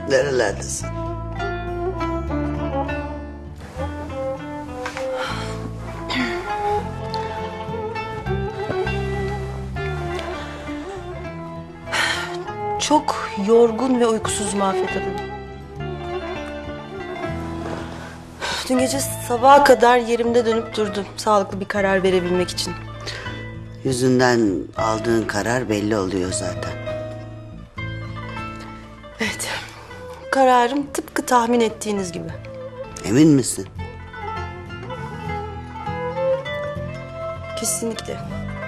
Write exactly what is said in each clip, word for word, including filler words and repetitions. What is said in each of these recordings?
Nerelerdesin? Çok yorgun ve uykusuzum Afet Hanım. Dün gece sabaha kadar yerimde dönüp durdum. Sağlıklı bir karar verebilmek için. Yüzünden aldığın karar belli oluyor zaten. Evet. Kararım tıpkı tahmin ettiğiniz gibi. Emin misin? Kesinlikle.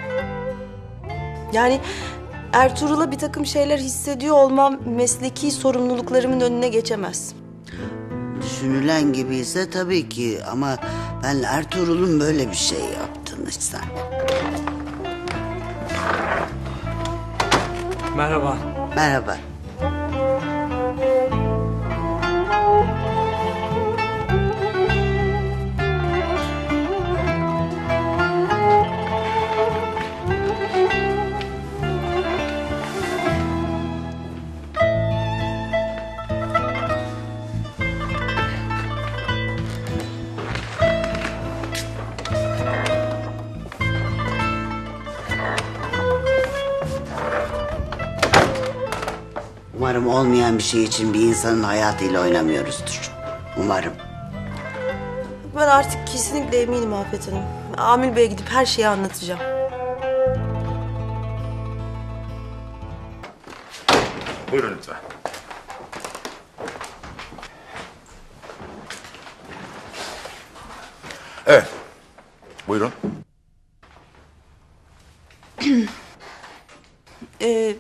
Yani Ertuğrul'a bir takım şeyler hissediyor olmam mesleki sorumluluklarımın önüne geçemez. Düşünülen gibi ise tabii ki ama ben Ertuğrul'un böyle bir şey yaptığını hiç zannetmiyorum. Merhaba. Merhaba. Umarım olmayan bir şey için bir insanın hayatıyla oynamıyoruzdur. Umarım. Ben artık kesinlikle eminim Afet Hanım. Amil Bey'e gidip her şeyi anlatacağım. Buyurun lütfen. Evet. Buyurun. Ee,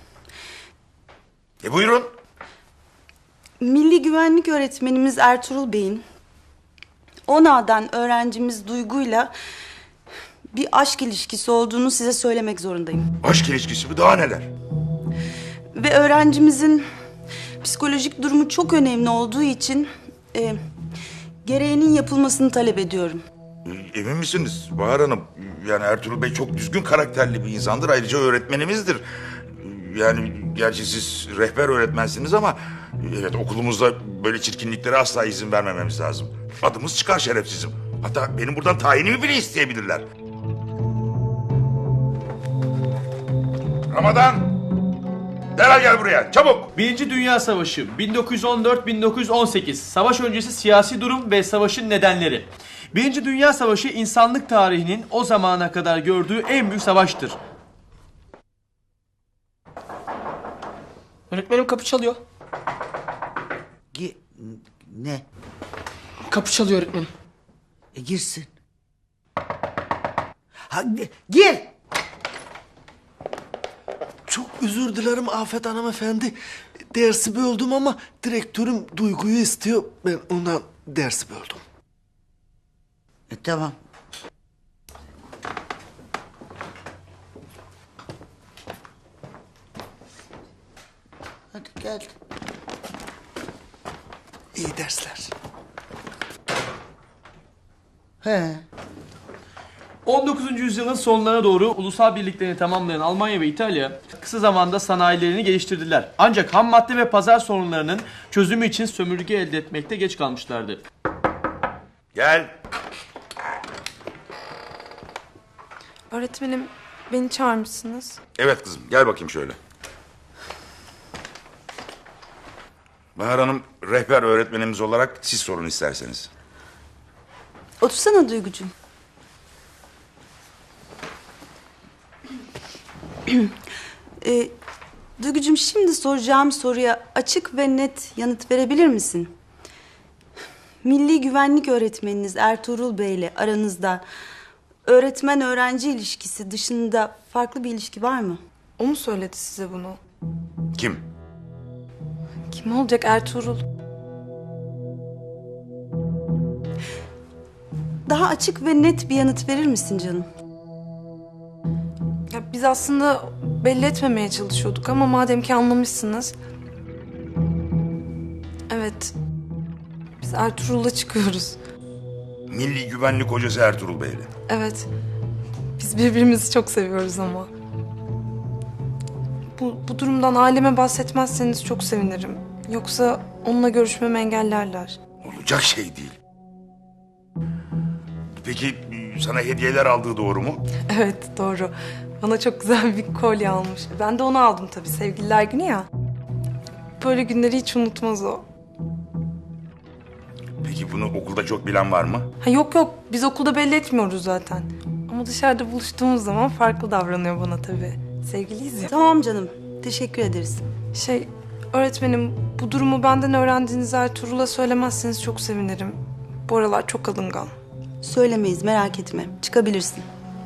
E buyurun. Milli Güvenlik Öğretmenimiz Ertuğrul Bey'in ONA'dan öğrencimiz Duygu'yla bir aşk ilişkisi olduğunu size söylemek zorundayım. Aşk ilişkisi mi, daha neler? Ve öğrencimizin psikolojik durumu çok önemli olduğu için e, gereğinin yapılmasını talep ediyorum. E, Emin misiniz Bahar Hanım? Yani Ertuğrul Bey çok düzgün karakterli bir insandır. Ayrıca öğretmenimizdir. Yani gerçi siz rehber öğretmensiniz ama... Evet, okulumuzda böyle çirkinliklere asla izin vermememiz lazım. Adımız çıkar şerefsizim. Hatta benim buradan tayinimi bile isteyebilirler. Ramazan! Derhal gel buraya, çabuk! Birinci Dünya Savaşı bin dokuz yüz on dört bin dokuz yüz on sekiz. Savaş öncesi siyasi durum ve savaşın nedenleri. Birinci Dünya Savaşı insanlık tarihinin o zamana kadar gördüğü en büyük savaştır. Öğretmenim kapı çalıyor. Gi ne? Kapı çalıyor öğretmenim. E girsin. Ha, gi- gir! Çok özür dilerim Afet hanımefendi. Dersi böldüm ama direktörüm Duygu'yu istiyor. Ben ondan dersi böldüm. E tamam. Hadi gel. İyi dersler. He. on dokuzuncu yüzyılın sonlarına doğru ulusal birliklerini tamamlayan Almanya ve İtalya kısa zamanda sanayilerini geliştirdiler. Ancak ham madde ve pazar sorunlarının çözümü için sömürge elde etmekte geç kalmışlardı. Gel. Öğretmenim, beni çağırmışsınız. Evet kızım, gel bakayım şöyle. Bahar Hanım, rehber öğretmenimiz olarak siz sorun isterseniz. Otursana Duygucuğum. ee, Duygucuğum, şimdi soracağım soruya açık ve net yanıt verebilir misin? Milli Güvenlik Öğretmeniniz Ertuğrul Bey ile aranızda öğretmen-öğrenci ilişkisi dışında farklı bir ilişki var mı? O mu söyledi size bunu? Kim? Kim olacak, Ertuğrul? Daha açık ve net bir yanıt verir misin canım? Ya biz aslında belli etmemeye çalışıyorduk ama madem ki anlamışsınız. Evet. Biz Ertuğrul'la çıkıyoruz. Milli Güvenlik Hocası Ertuğrul Bey'le. Evet. Biz birbirimizi çok seviyoruz ama. Bu, bu durumdan aileme bahsetmezseniz çok sevinirim. Yoksa onunla görüşmemi engellerler. Olacak şey değil. Peki sana hediyeler aldığı doğru mu? Evet, doğru. Bana çok güzel bir kolye almış. Ben de onu aldım tabii, sevgililer günü ya. Böyle günleri hiç unutmaz o. Peki bunu okulda çok bilen var mı? Ha yok yok, biz okulda belli etmiyoruz zaten. Ama dışarıda buluştuğumuz zaman farklı davranıyor bana tabii. Sevgiliyiz ya. Tamam canım. Teşekkür ederiz. Şey, öğretmenim, bu durumu benden öğrendiğiniz Ertuğrul'a söylemezseniz çok sevinirim. Bu aralar çok alıngan. Söylemeyiz, merak etme. Çıkabilirsin.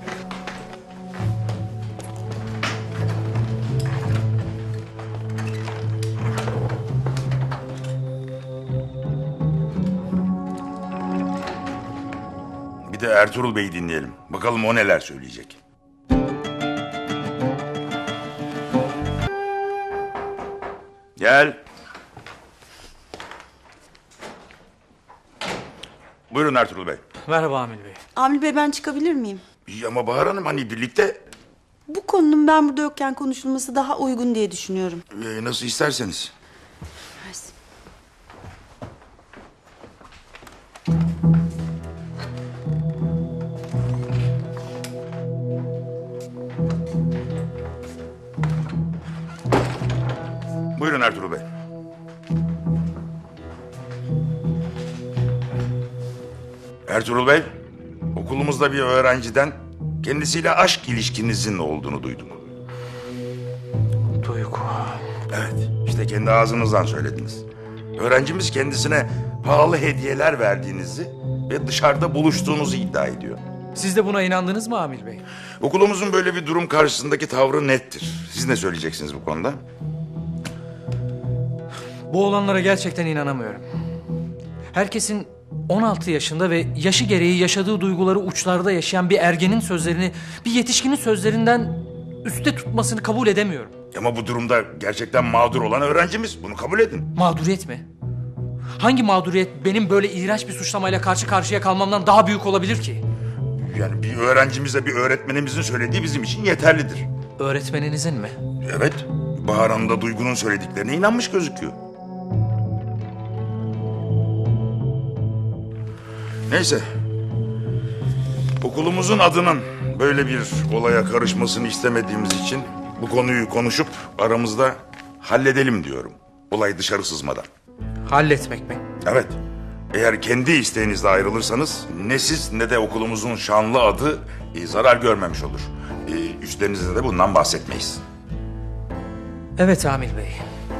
Bir de Ertuğrul Bey'i dinleyelim. Bakalım o neler söyleyecek. Gel. Buyurun Ertuğrul Bey. Merhaba Amil Bey. Amil Bey, ben çıkabilir miyim? İyi ama Bahar Hanım hani birlikte Bu konunun ben burada yokken konuşulması daha uygun diye düşünüyorum. e, nasıl isterseniz. Mersi. Buyurun Ertuğrul Bey. Ertuğrul Bey, okulumuzda bir öğrenciden kendisiyle aşk ilişkinizin olduğunu duydum. Duygu. Evet, işte kendi ağzınızdan söylediniz. Öğrencimiz kendisine pahalı hediyeler verdiğinizi ve dışarıda buluştuğunuzu iddia ediyor. Siz de buna inandınız mı Amil Bey? Okulumuzun böyle bir durum karşısındaki tavrı nettir. Siz ne söyleyeceksiniz bu konuda? Bu olanlara gerçekten inanamıyorum. Herkesin on altı yaşında ve yaşı gereği yaşadığı duyguları uçlarda yaşayan bir ergenin sözlerini bir yetişkinin sözlerinden üstte tutmasını kabul edemiyorum. Ama bu durumda gerçekten mağdur olan öğrencimiz. Bunu kabul edin. Mağduriyet mi? Hangi mağduriyet benim böyle iğrenç bir suçlamayla karşı karşıya kalmamdan daha büyük olabilir ki? Yani bir öğrencimize bir öğretmenimizin söylediği bizim için yeterlidir. Öğretmeninizin mi? Evet, Bahar Hanım da Duygu'nun söylediklerine inanmış gözüküyor. Neyse. Okulumuzun adının böyle bir olaya karışmasını istemediğimiz için bu konuyu konuşup aramızda halledelim diyorum. Olay dışarı sızmadan. Halletmek mi? Evet. Eğer kendi isteğinizle ayrılırsanız ne siz ne de okulumuzun şanlı adı e, zarar görmemiş olur. E, üstlerinizde de bundan bahsetmeyiz. Evet Amil Bey.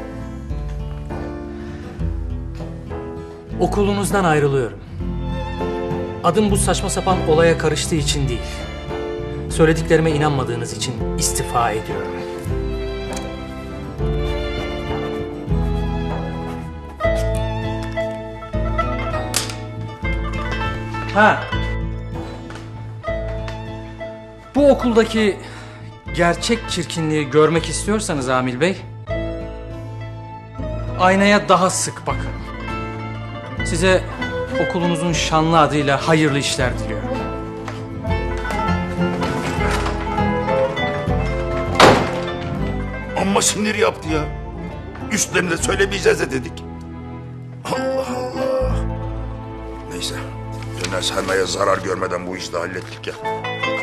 Okulunuzdan ayrılıyorum. Adım bu saçma sapan olaya karıştığı için değil. Söylediklerime inanmadığınız için istifa ediyorum. Ha. Bu okuldaki gerçek çirkinliği görmek istiyorsanız Amil Bey, aynaya daha sık bakın. Size okulunuzun şanlı adıyla hayırlı işler diliyorum. Amma sinir yaptı ya. Üstlerinde söylemeyeceğiz de dedik. Allah Allah. Neyse. Döner sermaye zarar görmeden bu işi de hallettik ya.